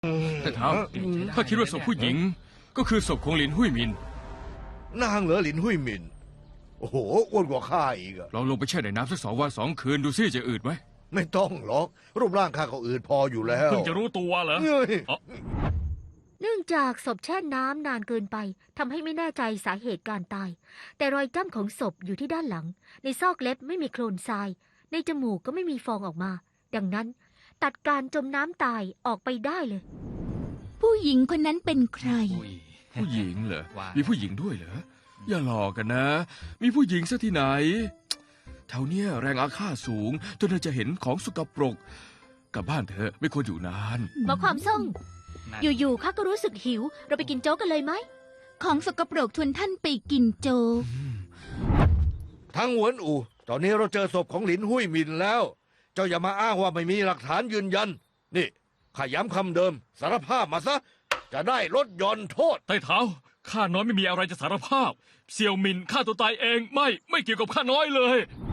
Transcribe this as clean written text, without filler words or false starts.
แต่ถามถ้าคิดว่าศพผู้หญิงก็คือศพของหลินหุ้ยหมินนางเหรอหลินหุ้ยหมินโอ้โหอ้วนกว่าข้าอีกอะลองลงไปแช่ในน้ำสัก2 วัน 2 คืนดูซิจะอืดไหมไม่ต้องหรอกรูปร่างข้าก็อืดพออยู่แล้วเพิ่งจะรู้ตัวเหรอเฮ้ยเนื่องจากศพแช่น้ำนานเกินไปทำให้ไม่แน่ใจสาเหตุการตาย แต่รอยจ้ำของศพอยู่ที่ด้านหลัง ในซอกเล็บไม่มีโคลนทราย ในจมูกก็ไม่มีฟองออกมา ดังนั้น ตัดการจมน้ำตายออกไปได้เลยผู้หญิงคนนั้นเป็นใครผู้หญิงเหรอว่ามีผู้หญิงด้วยเหรออย่าหลอกกันนะ มีผู้หญิงซะที่ไหนแถวเนี้ยแรงอาฆาตสูงจนเธอจะเห็นของสกปรกกลับบ้านเถอะไม่ควรอยู่นานหมอความส่ง อยู่ๆข้าก็รู้สึกหิว เราไปกินโจ๊กกันเลยไหมของสกปรกชวนท่านไปกินโจ๊กทั้งหวนอูตอนนี้เราเจอศพของหลินหุ้ยหมินแล้ว เจ้าอย่ามาอ้างว่าไม่มีหลักฐานยืนยัน นี่ข้าย้ำคำเดิม สารภาพมาซะ จะได้ลดหย่อนโทษไต้เท้าข้าน้อยไม่มีอะไรจะสารภาพ เสี่ยวหมินฆ่าตัวตายเองไม่เกี่ยวกับข้าน้อยเลย